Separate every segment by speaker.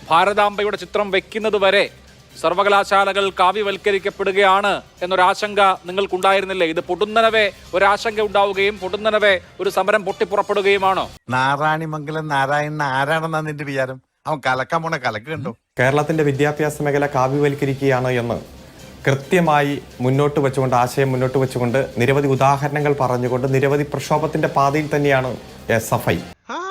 Speaker 1: ഭാരതാംബയുടെ ചിത്രം വെക്കുന്നത് വരെ സർവകലാശാലകൾ കാവ്യവൽക്കരിക്കപ്പെടുകയാണ് എന്നൊരാശങ്ക നിങ്ങൾക്കുണ്ടായിരുന്നില്ലേ? ഇത് പൊടുന്നനവേ ഒരാശങ്ക ഉണ്ടാവുകയും പൊടുന്നനവേ ഒരു സമരം പൊട്ടിപ്പുറപ്പെടുകയുമാണോ?
Speaker 2: നാരായണിമംഗലം നാരായണൻ ആരാണെന്നാ നിന്റെ വിചാരം? അവൻ കലക്കാൻ പോണ കലക്ക് കണ്ടോ?
Speaker 3: കേരളത്തിന്റെ വിദ്യാഭ്യാസ മേഖല കാവ്യവൽക്കരിക്കുകയാണ് എന്ന് കൃത്യമായി മുന്നോട്ട് വെച്ചുകൊണ്ട്, ആശയം മുന്നോട്ട് വെച്ചുകൊണ്ട്, നിരവധി ഉദാഹരണങ്ങൾ പറഞ്ഞുകൊണ്ട്, നിരവധി പ്രക്ഷോഭത്തിന്റെ പാതയിൽ തന്നെയാണ് SFI.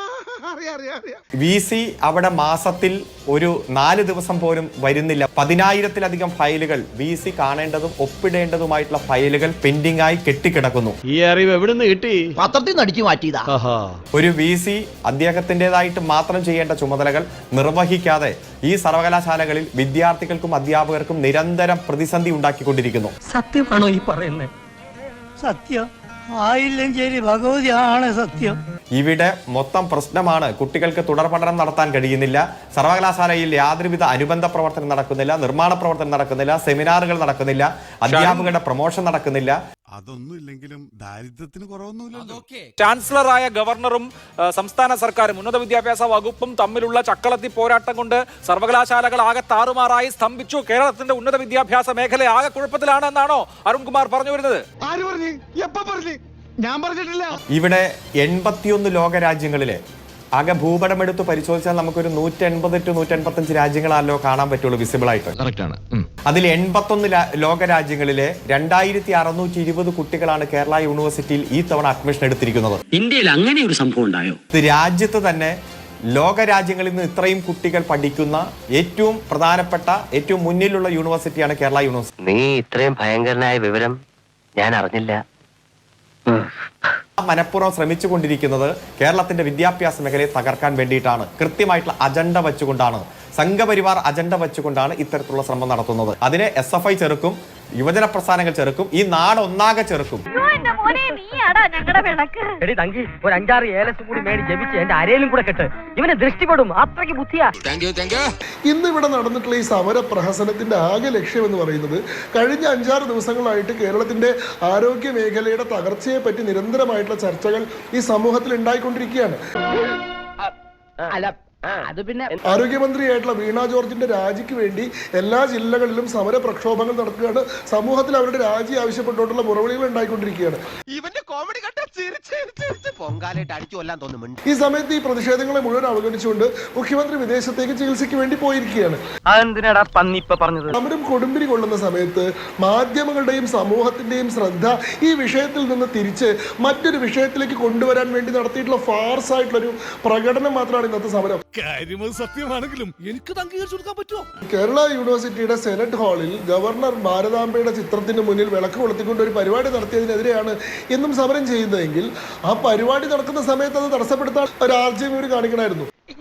Speaker 3: VC അവിടെ മാസത്തിൽ ഒരു 4 ദിവസം പോലും വരുന്നില്ല. 10,000-ലധികം ഫയലുകൾ, VC കാണേണ്ടതും ഒപ്പിടേണ്ടതുമായിട്ടുള്ള ഫയലുകൾ പെൻഡിംഗ് ആയി കെട്ടിക്കിടക്കുന്നു.
Speaker 4: ഈ അറിവ് എവിടുന്ന് കിട്ടി?
Speaker 5: പത്രത്തിൽ നിന്ന് അടിച്ചു മാറ്റിയതാ.
Speaker 3: ഒരു VC അദ്ദേഹത്തിൻ്റെതായിട്ട് മാത്രം ചെയ്യേണ്ട ചുമതലകൾ നിർവഹിക്കാതെ ഈ സർവകലാശാലകളിൽ വിദ്യാർത്ഥികൾക്കും അധ്യാപകർക്കും നിരന്തരം പ്രതിസന്ധി ഉണ്ടാക്കിക്കൊണ്ടിരിക്കുന്നു.
Speaker 5: സത്യമാണോ ഈ പറയുന്നത്? സത്യം ആയില്ലെങ്കിൽ ഭഗവതിയാണ് സത്യം.
Speaker 3: ഇവിടെ മൊത്തം പ്രശ്നമാണ്. കുട്ടികൾക്ക് തുടർ പഠനം നടത്താൻ കഴിയുന്നില്ല. സർവകലാശാലയിൽ യാതൊരുവിധ അനുബന്ധ പ്രവർത്തനം നടക്കുന്നില്ല, നിർമ്മാണ പ്രവർത്തനം നടക്കുന്നില്ല, സെമിനാറുകൾ നടക്കുന്നില്ല, അധ്യാപകരുടെ പ്രൊമോഷൻ നടക്കുന്നില്ല.
Speaker 2: അതൊന്നുമില്ലെങ്കിലും ദാരിദ്ര്യത്തിന് കുറവൊന്നുമില്ലല്ലോ.
Speaker 1: ചാൻസലറായ ഗവർണറും സംസ്ഥാന സർക്കാരും ഉന്നത വിദ്യാഭ്യാസ വകുപ്പും തമ്മിലുള്ള ചക്കളത്തി പോരാട്ടം കൊണ്ട് സർവകലാശാലകൾ ആകെ താറുമാറായി സ്തംഭിച്ചു. കേരളത്തിന്റെ ഉന്നത വിദ്യാഭ്യാസ മേഖല ആകെ കുഴപ്പത്തിലാണ് എന്നാണോ അരുൺകുമാർ പറഞ്ഞു വരുന്നത്?
Speaker 2: ആര് പറഞ്ഞു? എപ്പോ പറഞ്ഞു? ഞാൻ പറഞ്ഞിട്ടില്ല.
Speaker 3: ഇവിടെ 81 ലോകരാജ്യങ്ങളിലെ ആകെ ഭൂപടമെടുത്ത് പരിശോധിച്ചാൽ നമുക്കൊരു 180 to 185 രാജ്യങ്ങളാണല്ലോ കാണാൻ പറ്റുള്ളൂ വിസിബിൾ ആയിട്ട്. അതിൽ 81 ലോകരാജ്യങ്ങളിലെ 2620 കുട്ടികളാണ് കേരള യൂണിവേഴ്സിറ്റിയിൽ ഈ തവണ അഡ്മിഷൻ എടുത്തിരിക്കുന്നത്.
Speaker 6: ഇന്ത്യയിൽ അങ്ങനെ ഒരു സംഭവം ഉണ്ടായോ?
Speaker 3: രാജ്യത്ത് തന്നെ ലോകരാജ്യങ്ങളിൽ നിന്ന് ഇത്രയും കുട്ടികൾ പഠിക്കുന്ന ഏറ്റവും പ്രധാനപ്പെട്ട, ഏറ്റവും മുന്നിലുള്ള യൂണിവേഴ്സിറ്റിയാണ് കേരള യൂണിവേഴ്സിറ്റി.
Speaker 6: നീ ഇത്രയും ഭയങ്കരനായ വിവരം ഞാൻ അറിഞ്ഞില്ല.
Speaker 3: മനഃപൂർവ്വം ശ്രമിച്ചുകൊണ്ടിരിക്കുന്നത് കേരളത്തിന്റെ വിദ്യാഭ്യാസ മേഖലയെ തകർക്കാൻ വേണ്ടിയിട്ടാണ്. കൃത്യമായിട്ടുള്ള അജണ്ട വെച്ചുകൊണ്ടാണ്, സംഘപരിവാർ അജണ്ട വെച്ചുകൊണ്ടാണ് ഇത്തരത്തിലുള്ള ശ്രമം നടത്തുന്നത്. അതിനെ SFI ചെറുക്കും, യുവജന പ്രസ്ഥാനങ്ങൾ ചെറുക്കും, ഈ നാട് ഒന്നാകെ ചെറുക്കും.
Speaker 5: ഒരു 5-6 ഏലസും കൂടി മേടി ജപിച്ച് എന്റെ അരയിലും കൂടെ കെട്ട്. ഇവനെ ദൃഷ്ടിപ്പെടും, അത്രയ്ക്ക് ബുദ്ധിയാ.
Speaker 7: ഇന്ന് ഇവിടെ നടന്നിട്ടുള്ള ഈ സമര പ്രഹസനത്തിന്റെ ആകെ ലക്ഷ്യം എന്ന് പറയുന്നത് കഴിഞ്ഞ 5-6 ദിവസങ്ങളായിട്ട് കേരളത്തിന്റെ ആരോഗ്യ മേഖലയുടെ തകർച്ചയെ പറ്റി നിരന്തരമായിട്ടുള്ള ചർച്ചകൾ ഈ സമൂഹത്തിൽ ഉണ്ടായിക്കൊണ്ടിരിക്കുകയാണ്.
Speaker 5: അത് പിന്നെ
Speaker 7: ആരോഗ്യമന്ത്രിയായിട്ടുള്ള വീണ ജോർജിന്റെ രാജിക്ക് വേണ്ടി എല്ലാ ജില്ലകളിലും സമര പ്രക്ഷോഭങ്ങൾ നടക്കുകയാണ്. സമൂഹത്തിൽ അവരുടെ രാജി ആവശ്യപ്പെട്ടുകൊണ്ടുള്ള മുറവിളികൾ ഉണ്ടായിക്കൊണ്ടിരിക്കുകയാണ്. ഈ സമയത്ത് ഈ പ്രതിഷേധങ്ങളെ മുഴുവൻ അവഗണിച്ചുകൊണ്ട് മുഖ്യമന്ത്രി വിദേശത്തേക്ക് ചികിത്സയ്ക്ക് വേണ്ടി പോയിരിക്കുകയാണ്. സമരം കൊടുമ്പിരി കൊള്ളുന്ന സമയത്ത് മാധ്യമങ്ങളുടെയും സമൂഹത്തിന്റെയും ശ്രദ്ധ ഈ വിഷയത്തിൽ നിന്ന് തിരിച്ച് മറ്റൊരു വിഷയത്തിലേക്ക് കൊണ്ടുവരാൻ വേണ്ടി നടത്തിയിട്ടുള്ള ഫാർസ് ആയിട്ടുള്ളൊരു പ്രകടനം മാത്രമാണ് ഇന്നത്തെ സമരം.
Speaker 2: സത്യമാണെങ്കിലും എനിക്ക് അംഗീകരിച്ചു കൊടുക്കാൻ പറ്റുമോ?
Speaker 7: കേരള യൂണിവേഴ്സിറ്റിയുടെ സെനറ്റ് ഹാളിൽ ഗവർണർ ഭാരതാംബയുടെ ചിത്രത്തിന് മുന്നിൽ വിളക്ക് കൊളുത്തിക്കൊണ്ട് ഒരു പരിപാടി നടത്തിയതിനെതിരെയാണ് ഇന്നും സമരം ചെയ്യുന്നതെങ്കിൽ ആ പരിപാടി നടക്കുന്ന സമയത്ത് അത് തടസ്സപ്പെടുത്താൻ ഒരു ആർജവം ഇവർ കാണിക്കണമായിരുന്നു.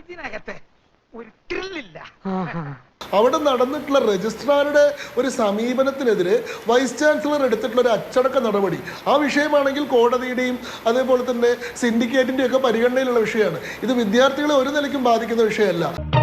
Speaker 7: അവിടെ നടന്നിട്ടുള്ള രജിസ്ട്രാറുടെ ഒരു സമീപനത്തിനെതിരെ വൈസ് ചാൻസലർ എടുത്തിട്ടുള്ള ഒരു അച്ചടക്ക നടപടി, ആ വിഷയമാണെങ്കിൽ കോടതിയുടെയും അതേപോലെ തന്നെ സിൻഡിക്കേറ്റിന്റെയും ഒക്കെ പരിഗണനയിലുള്ള വിഷയമാണ്. ഇത് വിദ്യാർത്ഥികളെ ഒരു നിലയ്ക്കും ബാധിക്കുന്ന വിഷയമല്ല.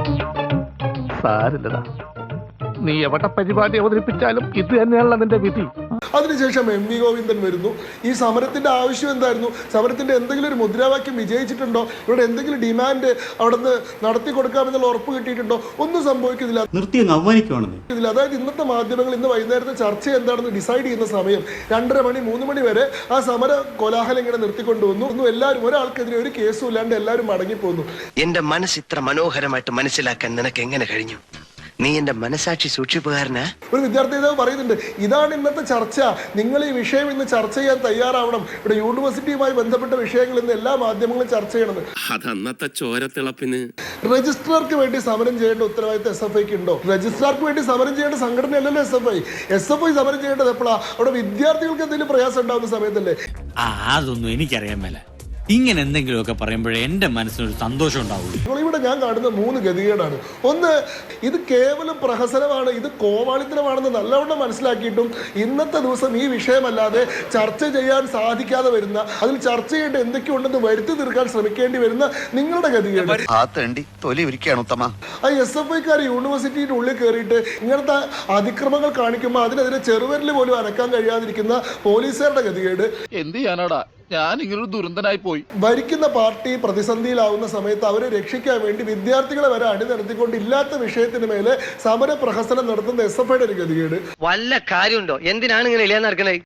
Speaker 4: നീ എവിടെ പരിപാടി അവതരിപ്പിച്ചാലും ഇത് തന്നെയാണല്ലോ നിന്റെ വിധി.
Speaker 7: അതിനുശേഷം MV ഗോവിന്ദൻ വരുന്നു. ഈ സമരത്തിന്റെ ആവശ്യം എന്തായിരുന്നു? സമരത്തിന്റെ എന്തെങ്കിലും ഒരു മുദ്രാവാക്യം വിജയിച്ചിട്ടുണ്ടോ? ഇവിടെ എന്തെങ്കിലും ഡിമാൻഡ് അവിടെ നിന്ന് നടത്തി കൊടുക്കാമെന്നുള്ള ഉറപ്പ് കിട്ടിയിട്ടുണ്ടോ? ഒന്നും സംഭവിക്കുന്നില്ല. അതായത് ഇന്നത്തെ മാധ്യമങ്ങൾ ഇന്ന് വൈകുന്നേരത്തെ ചർച്ച എന്താണെന്ന് ഡിസൈഡ് ചെയ്യുന്ന സമയം 2:30 മണി 3 മണി വരെ ആ സമര കോലാഹലം ഇങ്ങനെ നിർത്തിക്കൊണ്ടുവന്നു. എല്ലാവരും, ഒരാൾക്കെതിരെ ഒരു കേസും ഇല്ലാണ്ട് എല്ലാവരും മടങ്ങിപ്പോന്നു.
Speaker 6: എന്റെ മനസ്സ് ഇത്ര മനോഹരമായിട്ട് മനസ്സിലാക്കാൻ നിനക്ക് എങ്ങനെ കഴിഞ്ഞു? നീ എന്റെ മനസാക്ഷി സൂക്ഷിപ്പുകാരനാ.
Speaker 7: ഒരു വിദ്യാർത്ഥി നേതാവ് പറയുന്നുണ്ട്, ഇതാണ് ഇന്നത്തെ ചർച്ച, നിങ്ങൾ ഈ വിഷയം ഇന്ന് ചർച്ച ചെയ്യാൻ തയ്യാറാവണം. ഇവിടെ യൂണിവേഴ്സിറ്റിയുമായി ബന്ധപ്പെട്ട വിഷയങ്ങൾ ഇന്ന് എല്ലാ മാധ്യമങ്ങളും ചർച്ച ചെയ്യണമെന്ന്.
Speaker 8: അതന്നത്തെ ചോരത്തിളപ്പിന്
Speaker 7: രജിസ്ട്രാർക്ക് വേണ്ടി സമരം ചെയ്യേണ്ട ഉത്തരവാദിത്തം SFIക്ക് ഉണ്ടോ? രജിസ്ട്രാർക്ക് വേണ്ടി സമരം ചെയ്യേണ്ട സംഘടനയല്ലല്ലോ SFI സമരം ചെയ്യേണ്ടത് എപ്പോഴാ? അവിടെ വിദ്യാർത്ഥികൾക്ക് എന്തെങ്കിലും പ്രയാസം ഉണ്ടാവുന്ന സമയത്തല്ലേ?
Speaker 9: അതൊന്നും എനിക്കറിയാൻ മേല. ഇങ്ങനെ എന്തെങ്കിലുമൊക്കെ പറയുമ്പോഴേ എന്റെ മനസ്സിനൊരു സന്തോഷം ഉണ്ടാവുള്ളൂ.
Speaker 7: ഇവിടെ ഞാൻ കാണുന്ന 3 ഗതികേടാണ്. ഒന്ന്, ഇത് കേവലം പ്രഹസനമാണ്, ഇത് കോമാളിത്തരമാണെന്ന് നല്ലവണ്ണം മനസ്സിലാക്കിയിട്ടും ഇന്നത്തെ ദിവസം ഈ വിഷയമല്ലാതെ ചർച്ച ചെയ്യാൻ സാധിക്കാതെ വരുന്ന, അതിൽ ചർച്ച ചെയ്യേണ്ട എന്തൊക്കെയുണ്ടെന്ന് വരുത്തി തീർക്കാൻ ശ്രമിക്കേണ്ടി വരുന്ന നിങ്ങളുടെ ഗതികേട്. SFIക്കാർ യൂണിവേഴ്സിറ്റിയുടെ ഉള്ളിൽ കയറിയിട്ട് ഇങ്ങനത്തെ അതിക്രമങ്ങൾ കാണിക്കുമ്പോൾ അതിനെതിരെ ചെറുവിരൽ പോലും അനക്കാൻ കഴിയാതിരിക്കുന്ന പോലീസുകാരുടെ ഗതികേട്.
Speaker 4: എന്ത് ചെയ്യാനാടാ? ഞാൻ ഇങ്ങനൊരു ദുരന്തനായി പോയി.
Speaker 7: ഭരിക്കുന്ന പാർട്ടി പ്രതിസന്ധിയിലാവുന്ന സമയത്ത് അവരെ രക്ഷിക്കാൻ വേണ്ടി വിദ്യാർത്ഥികളെ വരെ അണിനിരത്തിക്കൊണ്ട് ഇല്ലാത്ത വിഷയത്തിന് മേലെ സമര പ്രഹസനം നടത്തുന്ന SFIയുടെ ഒരു ഗതികേട്.
Speaker 6: വല്ല കാര്യമുണ്ടോ? എന്തിനാണ് ഇങ്ങനെ ഇല്ലാന്ന് നടക്കണേ?